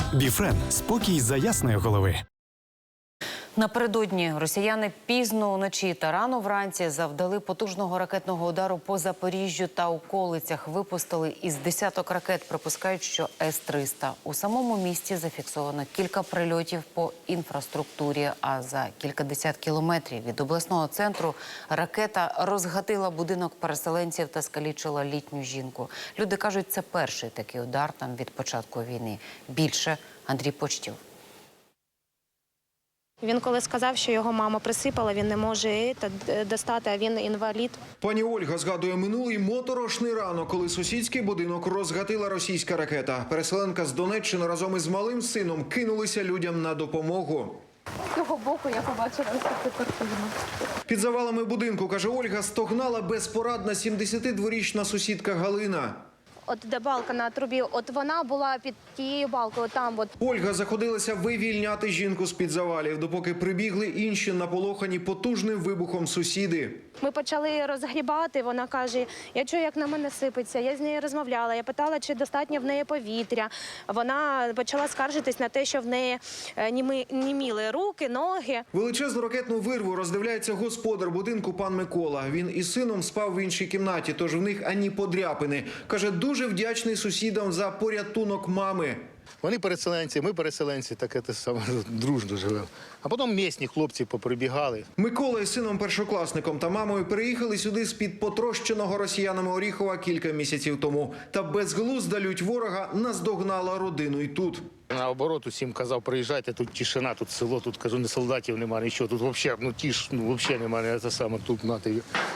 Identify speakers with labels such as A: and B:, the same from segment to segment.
A: Біфрен – спокій за ясної голови.
B: Напередодні росіяни пізно вночі та рано вранці завдали потужного ракетного удару по Запоріжжю та околицях. Випустили із десяток ракет, припускають, що С-300. У самому місті зафіксовано кілька прильотів по інфраструктурі, а за кількадесят кілометрів від обласного центру ракета розгатила будинок переселенців та скалічила літню жінку. Люди кажуть, це перший такий удар там від початку війни. Більше Андрій Почтів.
C: Він коли сказав, що його мама присипала, він не може достати, а він інвалід.
D: Пані Ольга згадує минулий моторошний ранок, коли сусідський будинок розгатила російська ракета. Переселенка з Донеччини разом із малим сином кинулися людям на допомогу.
C: З цього боку я побачила ось цю картину.
D: Під завалами будинку, каже Ольга, стогнала безпорадна 72-річна сусідка Галина.
C: От де балка на трубі, от вона була під тією балкою, там от.
D: Ольга заходилася вивільняти жінку з-під завалів, допоки прибігли інші наполохані потужним вибухом сусіди.
C: Ми почали розгрібати, вона каже, я чую, як на мене сипеться. Я з нею розмовляла, я питала, чи достатньо в неї повітря. Вона почала скаржитись на те, що в неї німіли руки, ноги.
D: Величезну ракетну вирву роздивляється господар будинку пан Микола. Він із сином спав в іншій кімнаті, тож в них ані подряпини. Каже, дуже вдячний сусідам за порятунок мами.
E: Вони переселенці, ми переселенці, таке те саме дружно живемо. А потім місні хлопці поприбігали.
D: Микола із сином-першокласником та мамою переїхали сюди з-під потрощеного росіянами Оріхова кілька місяців тому. Та безглузда лють ворога наздогнала родину і тут.
E: Наоборот, усім казав, приїжджайте, тут тишина, тут село, тут, кажу, ні солдатів немає, нічого. Тут взагалі, взагалі немає, це саме тут, нате.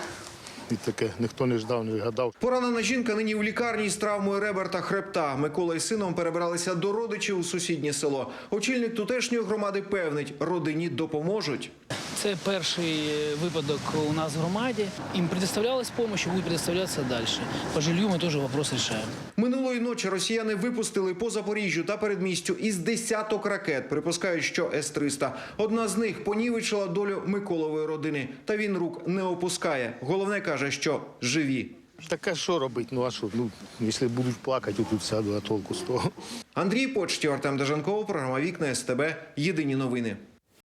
E: І таке, ніхто не ждав, не гадав.
D: Поранена жінка нині в лікарні з травмою ребер та хребта. Микола із сином перебралися до родичів у сусіднє село. Очільник тутешньої громади певнить, родині допоможуть.
F: Це перший випадок у нас в громаді. Їм предоставлялась допомога, буде предоставлятися далі. По жилью ми теж вопрос рішаємо.
D: Минулої ночі росіяни випустили по Запоріжжю та передмістю із десяток ракет. Припускають, що С-300. Одна з них понівечила долю Миколової родини. Та він рук не опускає. Головне, каже, що живі.
E: Таке що робити? Ну а що? Ну, якщо будуть плакати, тут сяду, а толку з того.
D: Андрій Почтів, Артем Дежанков, програма «Вікна СТБ». Єдині новини.